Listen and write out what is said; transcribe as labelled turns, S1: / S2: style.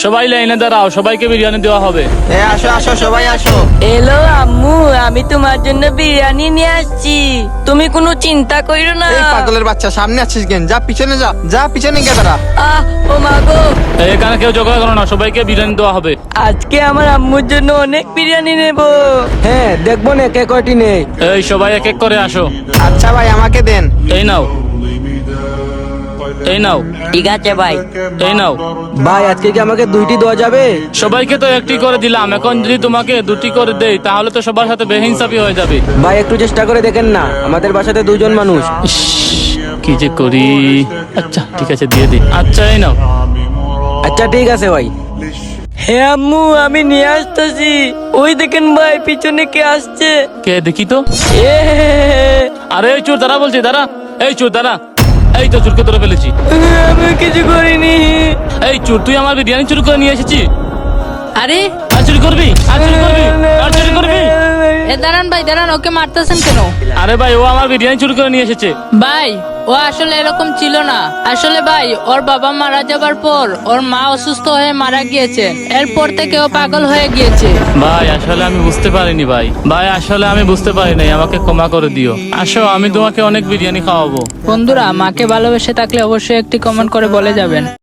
S1: সবাই লাইনে দাঁড়াও, সবাইকে বিরিয়ানি দেওয়া হবে।
S2: আসো আসো সবাই আসো।
S3: এলো আম্মু, আমি তোমার জন্য বিরিয়ানি নিয়ে আসছি, তুমি কোনো চিন্তা কইরো না।
S2: এই পাগলের বাচ্চা, সামনে আছিস কেন? যা পিছনে যা, যা পিছনে গিয়ে দাঁড়া।
S3: আহ ও মা গো,
S1: এখানে কেউ ঝগড়া করো না, সবাইকে বিরিয়ানি দেওয়া হবে।
S3: আজকে আমার আম্মুর জন্য অনেক বিরিয়ানি নেব।
S4: হ্যাঁ দেখবো না কে কয়টি নেই।
S1: এই সবাই এক এক করে আসো।
S2: আচ্ছা ভাই আমাকে দেন।
S1: এই নাও, এই নাও,
S3: ঠিক আছে ভাই।
S1: এই নাও।
S4: ভাই আজকে কি আমাকে দুইটি দেওয়া যাবে?
S1: সবাইকে তো একটি করে দিলাম, এখন যদি তোমাকে দুটি করে দেই তাহলে তো সবার সাথে বেহিনসাফি হয়ে যাবে।
S4: ভাই একটু চেষ্টা করে দেখেন না, আমাদের বাসাতে দুজন মানুষ।
S1: ইস, কি যে করি। আচ্ছা ঠিক আছে, দিয়ে দিই। আচ্ছা এই নাও।
S4: আচ্ছা ঠিক আছে ভাই।
S3: হে আম্মু, আমি নিয়ে আসতেছি। ওই দেখেন ভাই, পিছনে কে আসছে।
S1: কে দেখি তো।
S3: এ
S1: আরে এই চোর দাঁড়া বলছি, দাঁড়া। এই চোর দাঁড়া। এই তো চোরকে ধরে ফেলেছি।
S3: আমি কিছু করিনি।
S1: এই চোর, তুই আমার বিরিয়ানি চুরি করে নিয়ে এসেছিস।
S5: আরে
S1: আর চুরি করবি, আর চুরি করবি, আর চুরি করবি।
S5: এ দাঁড়ান ভাই দাঁড়ান, ওকে মারতেছেন কেন?
S1: আরে ভাই, ও আমার বিরিয়ানি চুরি করে নিয়ে এসেছে।
S5: ভাই ও আসলে এরকম ছিল না। আসলে ভাই ওর বাবা মারা যাবার পর ওর মা অসুস্থ হয়ে মারা গিয়েছে, এরপর থেকে ও পাগল হয়ে গিয়েছে।
S1: ভাই আসলে আমি বুঝতে পারিনি ভাই, ভাই আসলে আমি বুঝতে পারিনি, আমাকে ক্ষমা করে দিও। আসো, আমি তোমাকে অনেক বিরিয়ানি খাওয়াবো।
S5: বন্ধুরা, মাকে ভালোবেসে থাকলে অবশ্যই একটি কমেন্ট করে বলে যাবেন।